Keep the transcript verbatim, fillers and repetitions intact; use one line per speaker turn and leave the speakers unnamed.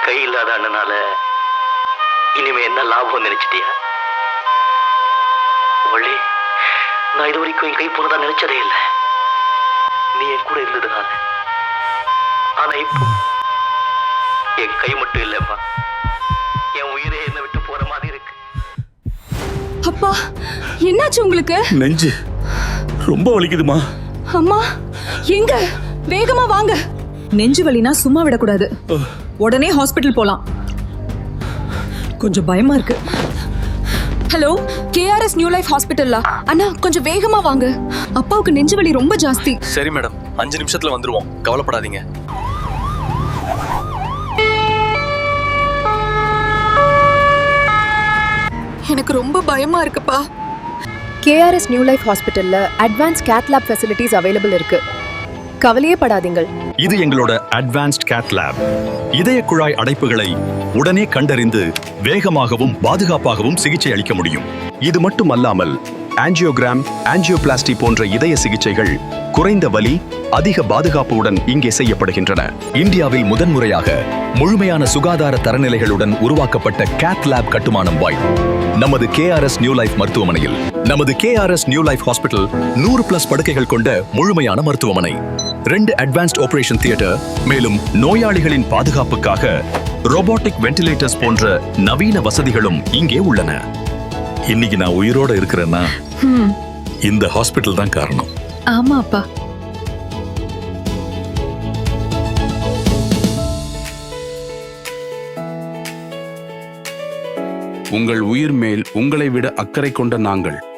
கை இல்லாத அண்ணனால இனிமே என்ன லாபம் நினைச்சிட்டியா? வள்ளி, நான் இது வரைக்கும் என் கை போனதா நினைச்சதே இல்லை. நீ என் கூட இருந்ததுனால. ஆனா இப்போ என் கை மட்டும் இல்லைம்மா, என் உயிரே என்ன விட்டு போற மாதிரி இருக்கு.
அப்பா, என்னாச்சு உங்களுக்கு?
நெஞ்சு ரொம்ப வலிக்குதுமா.
அம்மா எங்க? வேகமா வாங்க.
நெஞ்சு வலினா சும்மா விடக்கூடாது, உடனே ஹாஸ்பிட்டல் போலாம். கொஞ்சம் பயமா இருக்கு.
ஹலோ, கேஆர்எஸ் நியூ லைஃப் ஹாஸ்பிட்டல்லா? அண்ணா கொஞ்சம் வேகமா வாங்க, அப்பாவுக்கு நெஞ்சு வலி ரொம்ப ஜாஸ்தி.
சரி மேடம், அஞ்சு நிமிஷத்துல வந்துருவோம், கவலைப்படாதீங்க.
எனக்கு ரொம்ப பயமா இருக்குப்பா.
கேஆர்எஸ் நியூ லைஃப் ஹாஸ்பிட்டல்ல advance cath lab facilities available இருக்கு, கவலையே படாதீங்கள்.
இது எங்களோட அட்வான்ஸ்ட் கேத் லேப். இதய குழாய் அடைப்புகளை உடனே கண்டறிந்து வேகமாகவும் பாதுகாப்பாகவும் சிகிச்சை அளிக்க முடியும். இது மட்டுமல்லாமல் ஆஞ்சியோகிராம், ஆஞ்சியோபிளாஸ்டி போன்ற இதய சிகிச்சைகள் குறைந்த வலி, அதிக பாதுகாப்புடன் இங்கே செய்யப்படுகின்றன. இந்தியாவில் முதன்முறையாக முழுமையான சுகாதார தரநிலைகளுடன் உருவாக்கப்பட்ட கேத் லேப் கட்டுமானம் வாய் நமது கேஆர்எஸ் நியூ லைஃப் மருத்துவமனையில். நமது கேஆர்எஸ் நியூ லைஃப் ஹாஸ்பிட்டல் நூறு பிளஸ் படுக்கைகள் கொண்ட முழுமையான மருத்துவமனை, ரெண்டு அட்வான்ஸ்ட் ஆபரேஷன் தியேட்டர், மேலும் நோயாளிகளின் பாதுகாப்புக்காக ரோபோட்டிக் வென்டிலேட்டர்ஸ் போன்ற நவீன வசதிகளும் இங்கே உள்ளன. இன்னைக்கு நான் உயிரோட இருக்கிறேன்னா இந்த ஹாஸ்பிட்டல் தான் காரணம்.
ஆமா அப்பா.
உங்கள் உயிர் மேல் உங்களை விட அக்கறை கொண்ட நாங்கள்